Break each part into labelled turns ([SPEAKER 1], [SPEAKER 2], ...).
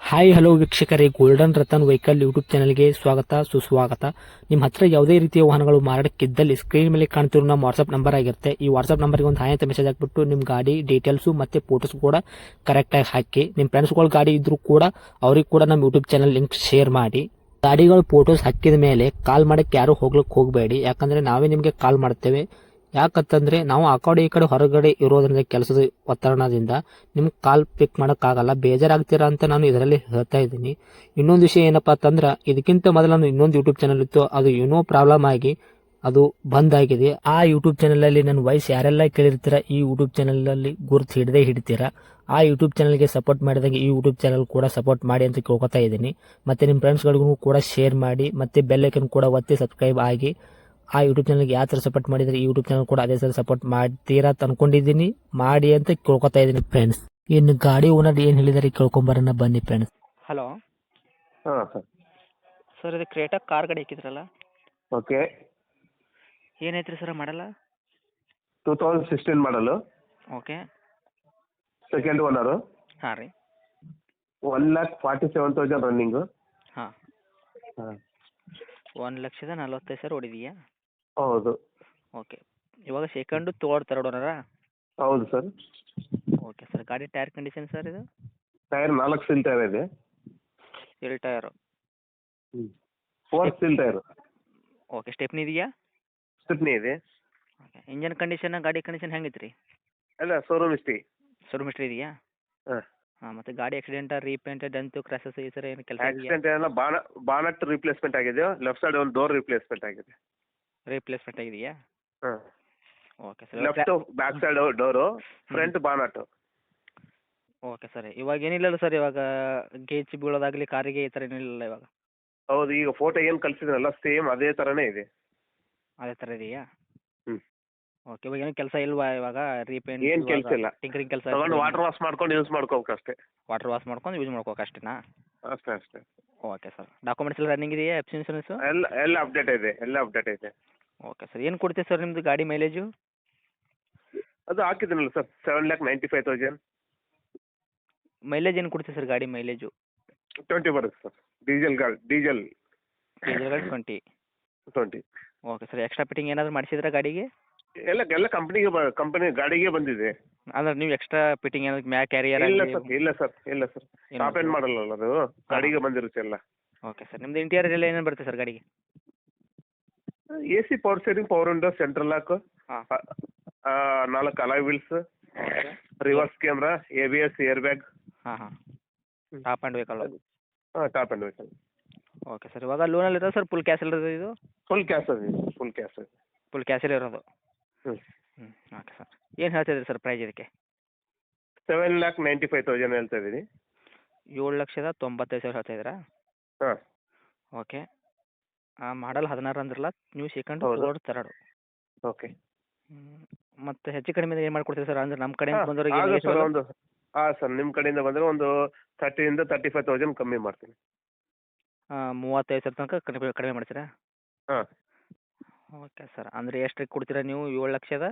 [SPEAKER 1] Hi hello ವೀಕ್ಷಕರೇ, golden Ratan vehicle YouTube ಚಾನಲ್ಗೆ ಸ್ವಾಗತ ಸುಸ್ವಾಗತ. ನಿಮ್ಮ ಹತ್ರ ಯಾವುದೇ ರೀತಿಯ ವಾಹನಗಳು ಮಾರಾಟಕ್ಕಿದ್ದಲ್ಲಿ ಸ್ಕ್ರೀನ್ ಮೇಲೆ ಕಾಣ್ತಿರೋ ನಮ್ಮ ವಾಟ್ಸ್ಆಪ್ ನಂಬರ್ ಆಗಿರುತ್ತೆ. ಈ ವಾಟ್ಸ್ಆಪ್ ನಂಬರ್ಗೆ ಒಂದು ಹಾಯ್ ಅಂತ ಮೆಸೇಜ್ ಹಾಕ್ಬಿಟ್ಟು ನಿಮ್ಮ ಗಾಡಿ ಡೀಟೇಲ್ಸು ಮತ್ತೆ ಫೋಟೋಸ್ ಕೂಡ ಕರೆಕ್ಟಾಗಿ ಹಾಕಿ. ನಿಮ್ಮ ಫ್ರೆಂಡ್ಸ್ಗಳ ಗಾಡಿ ಇದ್ರೂ ಕೂಡ ಅವ್ರಿಗೆ ಕೂಡ ನಮ್ಮ ಯೂಟ್ಯೂಬ್ ಚಾನಲ್ ಲಿಂಕ್ ಶೇರ್ ಮಾಡಿ. ಗಾಡಿಗಳು ಫೋಟೋಸ್ ಹಾಕಿದ ಮೇಲೆ ಕಾಲ್ ಮಾಡಕ್ಕೆ ಯಾರು ಹೋಗ್ಲಿಕ್ಕೆ ಹೋಗಬೇಡಿ, ಯಾಕಂದ್ರೆ ನಾವೇ ನಿಮಗೆ ಕಾಲ್ ಮಾಡ್ತೇವೆ. ಯಾಕಂತಂದ್ರೆ ನಾವು ಆ ಕಡೆ ಈ ಕಡೆ ಹೊರಗಡೆ ಇರೋದ್ರಿಂದ ಕೆಲಸದ ಒತ್ತಡದಿಂದ ನಿಮ್ಗೆ ಕಾಲ್ ಪಿಕ್ ಮಾಡೋಕ್ಕಾಗಲ್ಲ, ಬೇಜಾರಾಗ್ತೀರಾ ಅಂತ ನಾನು ಇದರಲ್ಲಿ ಹೇಳ್ತಾ ಇದ್ದೀನಿ. ಇನ್ನೊಂದು ವಿಷಯ ಏನಪ್ಪಾ ಅಂತಂದ್ರೆ, ಇದಕ್ಕಿಂತ ಮೊದಲು ನಾನು ಇನ್ನೊಂದು ಯೂಟ್ಯೂಬ್ ಚಾನಲ್ ಇತ್ತು, ಅದು ಏನೋ ಪ್ರಾಬ್ಲಮ್ ಆಗಿ ಅದು ಬಂದ್ ಆಗಿದೆ. ಆ ಯೂಟ್ಯೂಬ್ ಚಾನಲ್ ಅಲ್ಲಿ ನನ್ನ ವಾಯ್ಸ್ ಯಾರೆಲ್ಲ ಕೇಳಿರ್ತೀರಾ, ಈ ಯೂಟ್ಯೂಬ್ ಚಾನಲ್ ಅಲ್ಲಿ ಗುರುತು ಹಿಡದೇ ಹಿಡಿತೀರಾ. ಆ ಯೂಟ್ಯೂಬ್ ಚಾನಲ್ಗೆ ಸಪೋರ್ಟ್ ಮಾಡಿದಾಗ ಈ ಯೂಟ್ಯೂಬ್ ಚಾನಲ್ ಕೂಡ ಸಪೋರ್ಟ್ ಮಾಡಿ ಅಂತ ಕೇಳ್ಕೊತಾ ಇದ್ದೀನಿ. ಮತ್ತೆ ನಿಮ್ಮ ಫ್ರೆಂಡ್ಸ್ಗಳಿಗೂ ಕೂಡ ಶೇರ್ ಮಾಡಿ, ಮತ್ತೆ ಬೆಲ್ ಐಕನ್ ಕೂಡ ಒತ್ತಿ ಸಬ್ಸ್ಕ್ರೈಬ್ ಆಗಿ. ಆ ಯೂಟ್ಯೂಬ್ ಚಾನಲ್ಗೆ ಯಾವ ಥರ ಸಪೋರ್ಟ್ ಮಾಡಿದರೆ ಈ ಯೂಟ್ಯೂಬ್ ಚಾನಲ್ ಕೂಡ ಅದೇ ಥರ ಸಪೋರ್ಟ್ ಮಾಡ್ತೀರಾ ಅಂತ ಅನ್ಕೊಂಡಿದ್ದೀನಿ. ಮಾಡಿ ಅಂತ ಕೇಳ್ಕೊತಾ ಇದ್ದೀನಿ ಫ್ರೆಂಡ್ಸ್. ಇನ್ನು ಗಾಡಿ ಓನರ್ ಏನು ಹೇಳಿದಾರೆ ಕೇಳ್ಕೊಂಬರೋಣ ಬನ್ನಿ ಫ್ರೆಂಡ್ಸ್.
[SPEAKER 2] ಹಲೋ
[SPEAKER 3] ಹಾಂ ಸರ್.
[SPEAKER 2] ಸರ್, ಇದು ಕ್ರೇಟಾ ಕಾರ್ ಗಾಡಿ ಹಾಕಿದ್ರಲ್ಲ,
[SPEAKER 3] ಓಕೆ.
[SPEAKER 2] ಏನೈತ್ರಿ ಸರ್ ಮಾಡಲ್ಲ?
[SPEAKER 3] 2016 ಮಾಡಲು,
[SPEAKER 2] ಓಕೆ.
[SPEAKER 3] ಸೆಕೆಂಡ್ ಓನರು,
[SPEAKER 2] ಹಾಂ ರೀ.
[SPEAKER 3] 1,47,000 ರನ್ನಿಂಗು.
[SPEAKER 2] ಹಾಂ,
[SPEAKER 3] ಹಾಂ
[SPEAKER 2] 1,45,000 ಹೊಡಿದೀಯಾ?
[SPEAKER 3] ಹೌದು.
[SPEAKER 2] ಓಕೆ. ಇವಾಗ ಸೆಕೆಂಡು ತರ್ಡ್ ಓನರಾ?
[SPEAKER 3] ಹೌದು ಸರ್.
[SPEAKER 2] Okay sir. ಗಾಡಿ ಟೈರ್ ಕಂಡೀಷನ್ ಸರ್ ಇದು?
[SPEAKER 3] ಟೈರ್ 4 ಸ್ಟೀಲ್ ಟೈರ್ ಇದೆ.
[SPEAKER 2] All tyre?
[SPEAKER 3] 4 steel tyre.
[SPEAKER 2] Okay. Stepney ಇದೆಯಾ?
[SPEAKER 3] ಸ್ಟಿಪ್ನಿ ಇದೆ.
[SPEAKER 2] ಓಕೆ. ಇಂಜನ್ ಕಂಡೀಷನ್, ಗಾಡಿ ಕಂಡೀಷನ್ ಹೆಂಗೈತೆ ರೀ?
[SPEAKER 3] ಅಲ್ಲ, ಶೋರೂಮ್ ಹಿಸ್ಟ್ರಿ.
[SPEAKER 2] ಶೋರೂಮ್ ಹಿಸ್ಟ್ರಿ ಇದೆಯಾ?
[SPEAKER 3] ಹಾಂ.
[SPEAKER 2] ಹಾಂ. ಮತ್ತು ಗಾಡಿ ಆಕ್ಸಿಡೆಂಟ್, ರೀಪೇಂಟ್, ಡೆಂತು, ಕ್ರ್ಯಾಸಸ್ ಈ ಥರ ಏನು ಕೆಲಸ ಇದೆಯಾ?
[SPEAKER 3] ಆಕ್ಸಿಡೆಂಟ್ ಏನಲ್ಲ, ಬಾನಟ್ ರಿಪ್ಲೇಸ್ಮೆಂಟ್ ಆಗಿದೆ. ಲೆಫ್ಟ್ ಸೈಡ್ ಒಂದು ಡೋರ್ ರಿಪ್ಲೇಸ್ಮೆಂಟ್ ಆಗಿದೆ.
[SPEAKER 2] ರೀಪ್ಲೇಸ್ಮೆಂಟ್ ಆಗಿದೆಯಾ?
[SPEAKER 3] ಹಾಂ.
[SPEAKER 2] Okay sir.
[SPEAKER 3] Left back side door, front bonnet.
[SPEAKER 2] Okay sir. ಇವಾಗ ಏನಿಲ್ಲಲ್ಲ ಸರ್, ಇವಾಗ ಗೇಜ್ ಬೀಳೋದಾಗಲಿ ಕಾರಿಗೆ ಈ ಥರ ಏನಿಲ್ಲ ಇವಾಗ?
[SPEAKER 3] ಹೌದು, ಈಗ ಫೋಟೋ ಏನು ಕಳಿಸಿದ್ರಲ್ಲ ಸೇಮ್ ಅದೇ ಥರನೇ ಇದೆ.
[SPEAKER 2] ಅದೇ ಥರ ಇದೆಯಾ?
[SPEAKER 3] ಹ್ಞೂ.
[SPEAKER 2] ಓಕೆ. ಇವಾಗ ಏನು ಕೆಲಸ ಇಲ್ವಾ ಇವಾಗ? ರೀಪೇಂಟ್
[SPEAKER 3] ಏನು ಕೆಲಸ ಇಲ್ಲ.
[SPEAKER 2] ಟಿಂಕರಿಂಗ್ ಕೆಲಸ
[SPEAKER 3] ತಗೊಂಡು ವಾಟರ್ ವಾಶ್ ಮಾಡ್ಕೊಂಡು ಯೂಸ್ ಮಾಡ್ಕೋಬೇಕು ಅಷ್ಟೇ.
[SPEAKER 2] ವಾಟರ್ ವಾಶ್ ಮಾಡ್ಕೊಂಡು ಯೂಸ್ ಮಾಡ್ಕೋಕೆ ಅಷ್ಟೇನಾ?
[SPEAKER 3] ಅಷ್ಟೇ ಅಷ್ಟೇ.
[SPEAKER 2] Okay sir. ಡಾಕ್ಯುಮೆಂಟ್ಸ್ ಎಲ್ಲ ರನ್ನಿಂಗ್ ಇದೆಯಾ? F C insurance?
[SPEAKER 3] ಎಲ್ಲ ಅಪ್ಡೇಟ್ ಇದೆ, ಎಲ್ಲ ಅಪ್ಡೇಟ್ ಇದೆ.
[SPEAKER 2] Okay sir. ಏನು ಕೊಡ್ತೀವಿ ಸರ್ ನಿಮ್ಮದು ಗಾಡಿ ಮೈಲೇಜು?
[SPEAKER 3] ಅದು ಹಾಕಿದ್ದೀನಲ್ಲ ಸರ್, 7,95,000.
[SPEAKER 2] ಮೈಲೇಜ್ ಏನು ಕೊಡ್ತೀವಿ ಸರ್ ಗಾಡಿ ಮೈಲೇಜು?
[SPEAKER 3] 20 ಬರುತ್ತೆ ಸರ್. ಡೀಸೆಲ್
[SPEAKER 2] ಡೀಸೆಲ್ ಗಾಡಿ 20.
[SPEAKER 3] 20.
[SPEAKER 2] Okay sir. ಎಕ್ಸ್ಟ್ರಾ ಫಿಟ್ಟಿಂಗ್ ಏನಾದರೂ ಮಾಡಿಸಿದ್ರಾ ಗಾಡಿಗೆ?
[SPEAKER 3] ಎಲ್ಲ ಕಂಪನಿ ಗಾಡಿಗೆ ಬಂದಿದೆ.
[SPEAKER 2] ಅಂದ್ರೆ ನೀವು ಎಕ್ಸ್ಟ್ರಾ ಫಿಟ್ಟಿಂಗ್ ಏನಾದ್ರು ಮ್ಯಾಕ್ ಕ್ಯಾರಿಯರ್?
[SPEAKER 3] ಇಲ್ಲ ಸರ್ ಟಾಪ್ ಎಂಡ್ ಮಾಡಲ್ಲ ಅದು, ಗಾಡಿಗೆ ಬಂದಿರುತ್ತೆ ಎಲ್ಲ.
[SPEAKER 2] Okay sir. ನಿಮ್ದು ಇಂಟೀರಿಯರ್ ಎಲ್ಲ ಏನೇನು ಬರುತ್ತೆ ಸರ್ ಗಾಡಿಗೆ?
[SPEAKER 3] AC, power steering, power window, central lock,
[SPEAKER 2] ಹಾಂ.
[SPEAKER 3] 4 alloy wheels,
[SPEAKER 2] okay.
[SPEAKER 3] Reverse camera, ABS, air bag.
[SPEAKER 2] ಹಾಂ. Top end vehicle?
[SPEAKER 3] ಹಾಂ, top end vehicle.
[SPEAKER 2] Okay sir. ಇವಾಗ ಲೋನಲ್ಲಿ ಇರೋದು ಸರ್, ಫುಲ್ ಕ್ಯಾಶ್ ಇರೋದು ಇದು?
[SPEAKER 3] ಫುಲ್ ಕ್ಯಾಶ್ ಇದೆ.
[SPEAKER 2] ಫುಲ್ ಕ್ಯಾಶಲ್ಲಿ ಇರೋದು?
[SPEAKER 3] ಹ್ಞೂ.
[SPEAKER 2] Okay sir. ಏನು ಹೇಳ್ತಿದ್ದೀರಿ ಸರ್ ಪ್ರೈಸ್ ಇದಕ್ಕೆ?
[SPEAKER 3] 7,95,000 ಹೇಳ್ತಾ ಇದ್ದೀನಿ.
[SPEAKER 2] 7,95,000 ಹೇಳ್ತಾ ಇದ್ದೀರಾ?
[SPEAKER 3] ಹಾಂ.
[SPEAKER 2] ಓಕೆ. ಮಾಡಲ್ 16 ಅಂದ್ರಲ್ಲ, ನೀವು ಸೆಕೆಂಡ್
[SPEAKER 3] ಹೌದು.
[SPEAKER 2] ತರ್ಡ್.
[SPEAKER 3] ಓಕೆ.
[SPEAKER 2] ಮತ್ತು ಹೆಚ್ಚು ಕಡಿಮೆ ಏನು ಮಾಡ್ಕೊಡ್ತೀವಿ ಸರ್? ಅಂದರೆ ನಮ್ಮ ಕಡೆಯಿಂದ
[SPEAKER 3] ಹಾಂ
[SPEAKER 2] ಬಂದವರಿಗೆ
[SPEAKER 3] ಸರ್, ನಿಮ್ಮ ಕಡೆಯಿಂದ ಬಂದರೆ ಒಂದು 30,000-35,000 ಕಮ್ಮಿ ಮಾಡ್ತೀನಿ.
[SPEAKER 2] 35,000 ತನಕ ಕಡಿಮೆ ಮಾಡ್ತೀರಾ?
[SPEAKER 3] ಹಾಂ.
[SPEAKER 2] Okay sir. ಅಂದರೆ ಎಷ್ಟಕ್ಕೆ ಕೊಡ್ತೀರಾ ನೀವು? 7,00,000?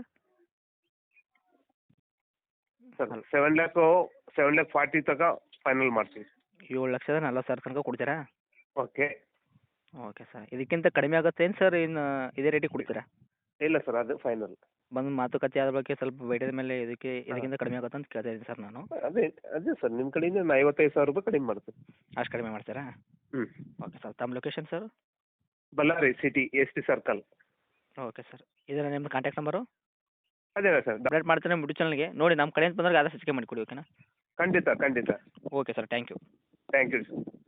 [SPEAKER 3] ಸರ್ 7,40,000 ತನಕ ಫೈನಲ್ ಮಾಡ್ತೀವಿ.
[SPEAKER 2] 7,40,000 ತನಕ ಕೊಡ್ತೀರಾ?
[SPEAKER 3] ಓಕೆ.
[SPEAKER 2] Okay sir. ಇದಕ್ಕಿಂತ ಕಡಿಮೆ ಆಗುತ್ತೇನು ಸರ್? ಇನ್ನು ಇದೇ ರೇಟಿಗೆ ಕೊಡ್ತೀರಾ?
[SPEAKER 3] ಇಲ್ಲ ಸರ್, ಅದು ಫೈನಲ್.
[SPEAKER 2] ಬಂದು ಮಾತುಕತೆ ಆದ ಬಗ್ಗೆ ಸ್ವಲ್ಪ ಬೇಟದ ಮೇಲೆ ಇದಕ್ಕಿಂತ ಕಡಿಮೆ ಆಗುತ್ತೆ ಅಂತ ಕೇಳ್ತಾ ಇದ್ದೀನಿ ಸರ್ ನಾನು.
[SPEAKER 3] ಅದೇ ಸರ್, ನಿಮ್ಮ ಕಡೆಯಿಂದ ನಾನು 55,000 ರೂಪಾಯಿ ಕಡಿಮೆ ಮಾಡ್ತೀನಿ.
[SPEAKER 2] ಅಷ್ಟು ಕಡಿಮೆ ಮಾಡ್ತೀರಾ?
[SPEAKER 3] ಹ್ಞೂ.
[SPEAKER 2] Okay sir. ತಮ್ಮ location sir?
[SPEAKER 3] Ballari city, ST circle.
[SPEAKER 2] Okay sir. ಇದರ ನಿಮ್ಮ ಕಾಂಟ್ಯಾಕ್ಟ್ ನಂಬರು?
[SPEAKER 3] ಅದೇನಾ ಸರ್?
[SPEAKER 2] ಅಪ್ಡೇಟ್ ಮಾಡ್ತೀನಿ ಯೂಟ್ಯೂಬ್ ಚಾನಲ್ಗೆ. ನೋಡಿ ನಮ್ಮ ಕಡೆಯಿಂದ ಬಂದಾಗ ಆದಷ್ಟು ಹೆಚ್ಚಿಗೆ ಮಾಡಿಕೊಡಿ, ಓಕೆನಾ?
[SPEAKER 3] ಖಂಡಿತ.
[SPEAKER 2] Okay sir. Thank you.
[SPEAKER 3] Thank you sir.